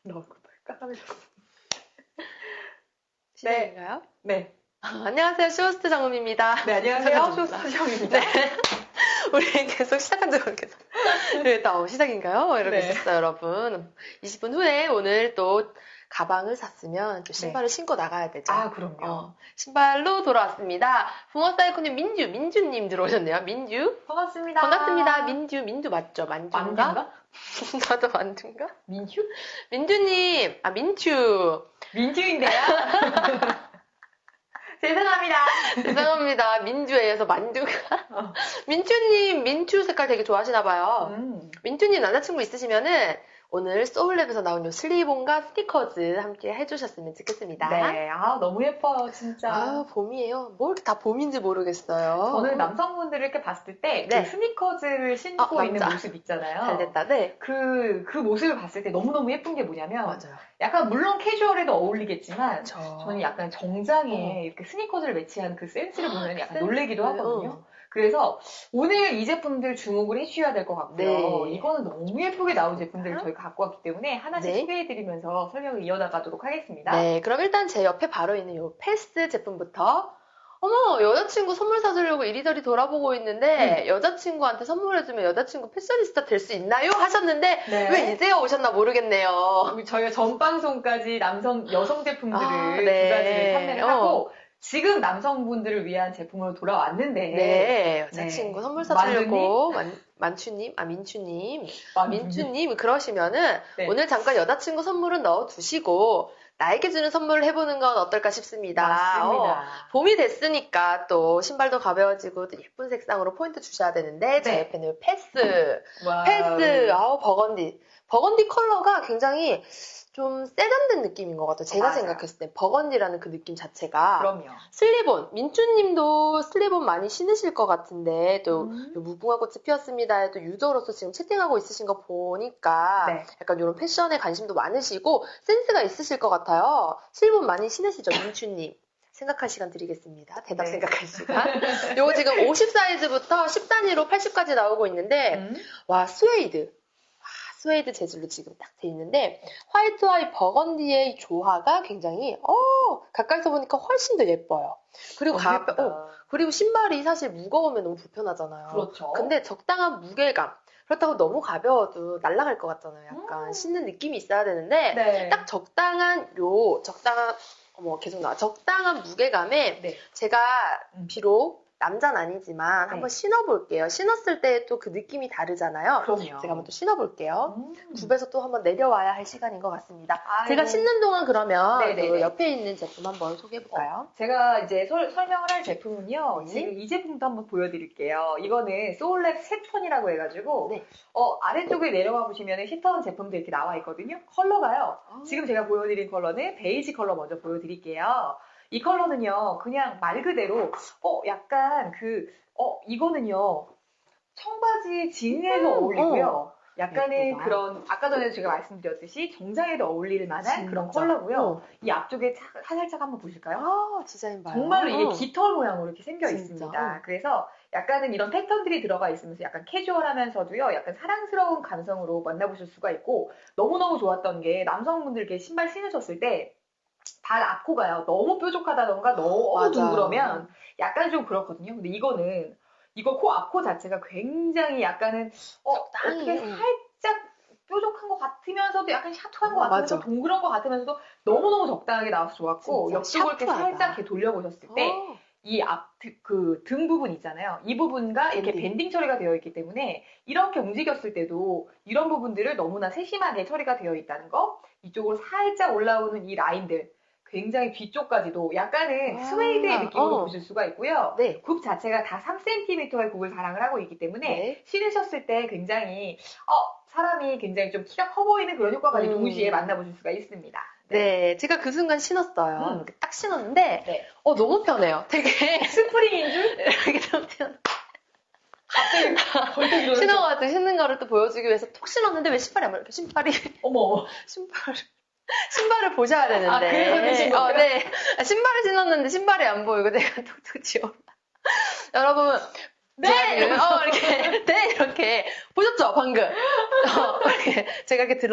너무 깜깜해서. 시작인가요? 네. 안녕하세요. 쇼호스트 정음입니다. 네, 안녕하세요. 쇼호스트 정음입니다. 네. 우리 계속 시작한 지 모르겠어. 네, 시작인가요? 이러고 네. 있었어요, 여러분. 20분 후에 오늘 또 가방을 샀으면 또 신발을 신고 나가야 되죠. 아, 그럼요. 신발로 돌아왔습니다. 붕어사이코님 민주님 들어오셨네요. 민주. 반갑습니다. 반갑습니다. 민주 맞죠? 만주인가? 만주인가? 나도 만주인가? 민주? 민주님, 민주. 민주인데요? 죄송합니다. 죄송합니다. 민주에 의해서 만두가. 민주님, 민주 색깔 되게 좋아하시나봐요. 민주님 남자친구 있으시면은 오늘 소울랩에서 나온 요 슬리본과 스티커즈 함께 해주셨으면 좋겠습니다. 네, 너무 예뻐요, 진짜. 봄이에요. 뭐 이렇게 다 봄인지 모르겠어요. 저는 남성분들을 이렇게 봤을 때, 네. 그 스니커즈를 신고 있는 모습 있잖아요. 잘 됐다, 네. 그 모습을 봤을 때 너무너무 예쁜 게 뭐냐면, 맞아요. 약간 물론 캐주얼에도 어울리겠지만, 그쵸. 저는 약간 정장에 이렇게 스니커즈를 매치한 그 센스를 보면 약간 놀래기도 센스. 하거든요. 그래서 오늘 이 제품들 주목을 해주셔야 될 것 같고요. 네. 이거는 너무 예쁘게 나온 제품들을 저희가 갖고 왔기 때문에 하나씩 네. 소개해드리면서 설명을 이어나가도록 하겠습니다. 네, 그럼 일단 제 옆에 바로 있는 요 패스 제품부터. 어머, 여자친구 선물 사주려고 이리저리 돌아보고 있는데 여자친구한테 선물해주면 여자친구 패셔니스타 될 수 있나요? 하셨는데 네. 왜 이제야 오셨나 모르겠네요. 저희가 전 방송까지 여성 제품들을 네. 두 가지를 판매를 하고 지금 남성분들을 위한 제품으로 돌아왔는데 네, 여자친구 선물 사주려고 민추님 그러시면은 네. 오늘 잠깐 여자친구 선물은 넣어두시고 나에게 주는 선물을 해보는 건 어떨까 싶습니다. 맞습니다. 봄이 됐으니까 또 신발도 가벼워지고 또 예쁜 색상으로 포인트 주셔야 되는데 제 옆에는 패스, 버건디 컬러가 굉장히 좀 세련된 느낌인 것 같아요. 제가 맞아요. 생각했을 때 버건디라는 그 느낌 자체가. 그럼요. 슬리본, 민주님도 슬리본 많이 신으실 것 같은데 또 무궁화 꽃이 피었습니다. 또 유저로서 지금 채팅하고 있으신 거 보니까 네. 약간 이런 패션에 관심도 많으시고 센스가 있으실 것 같아요. 슬리본 많이 신으시죠, 민주님? 생각할 시간 드리겠습니다. 대답 네. 생각할 시간. 요거 지금 50 사이즈부터 10단위로 80까지 나오고 있는데 와, 스웨이드 재질로 지금 딱 돼 있는데 화이트와 이 버건디의 조화가 굉장히 가까이서 보니까 훨씬 더 예뻐요. 그리고 그리고 신발이 사실 무거우면 너무 불편하잖아요. 그렇죠. 근데 적당한 무게감. 그렇다고 너무 가벼워도 날아갈 것 같잖아요. 약간 신는 느낌이 있어야 되는데 네. 딱 적당한 무게감에 제가 비록 남자는 아니지만 한번 신어볼게요. 신었을 때 또 그 느낌이 다르잖아요. 그럼요. 제가 한번 또 신어볼게요. 굽에서 또 한번 내려와야 할 시간인 것 같습니다. 제가 신는 동안 그러면 또 옆에 있는 제품 한번 소개해볼까요? 제가 이제 설명을 할 제품은요. 지금 이 제품도 한번 보여드릴게요. 이거는 소울랩 세턴이라고 해가지고 아래쪽에 내려와 보시면 시턴 제품도 이렇게 나와 있거든요. 컬러가요. 지금 제가 보여드린 컬러는 베이지 컬러 먼저 보여드릴게요. 이 컬러는요, 그냥 말 그대로, 약간 이거는요, 청바지 진에도 어울리고요. 약간의 예쁘다. 그런, 아까 전에 제가 말씀드렸듯이 정장에도 어울릴 만한 그런 컬러고요. 이 앞쪽에 살짝 한번 보실까요? 디자인 봐요. 정말로 이게 깃털 모양으로 이렇게 생겨 있습니다. 그래서 약간은 이런 패턴들이 들어가 있으면서 약간 캐주얼하면서도요, 약간 사랑스러운 감성으로 만나보실 수가 있고, 너무너무 좋았던 게 남성분들 이렇게 신발 신으셨을 때, 발 앞코가요. 너무 뾰족하다던가 너무 둥그러면 약간 좀 그렇거든요. 근데 이거 코 앞코 자체가 굉장히 약간은 어떻게 살짝 뾰족한 것 같으면서도 약간 샤투한 것 같으면서 동그란 것 같으면서도 너무너무 적당하게 나와서 좋았고 옆쪽을 이렇게 살짝 이렇게 돌려보셨을 때 이 등 부분 있잖아요. 이 부분과 이렇게 밴딩 처리가 되어 있기 때문에 이렇게 움직였을 때도 이런 부분들을 너무나 세심하게 처리가 되어 있다는 거. 이쪽으로 살짝 올라오는 이 라인들. 굉장히 뒤쪽까지도 약간은 스웨이드의 느낌으로 보실 수가 있고요. 굽 자체가 다 3cm의 굽을 자랑을 하고 있기 때문에 신으셨을 때 굉장히 사람이 굉장히 좀 키가 커 보이는 그런 효과까지 동시에 만나보실 수가 있습니다. 네, 제가 그 순간 신었어요. 이렇게 딱 신었는데 너무 편해요. 되게 스프링인 줄? 이렇게 너무 편해. 갑자기 벌떡 일어나서 신어가지고 신는 거를 또 보여주기 위해서 톡 신었는데 왜 신발이 안 말려? 어머 신발을 보셔야 되는데. 그래서 신은 거예요? 네. 신발을 신었는데 신발이 안 보이고 내가 톡톡 지워. 여러분. 이렇게 보셨죠? 방금. 이렇게 제가 이렇게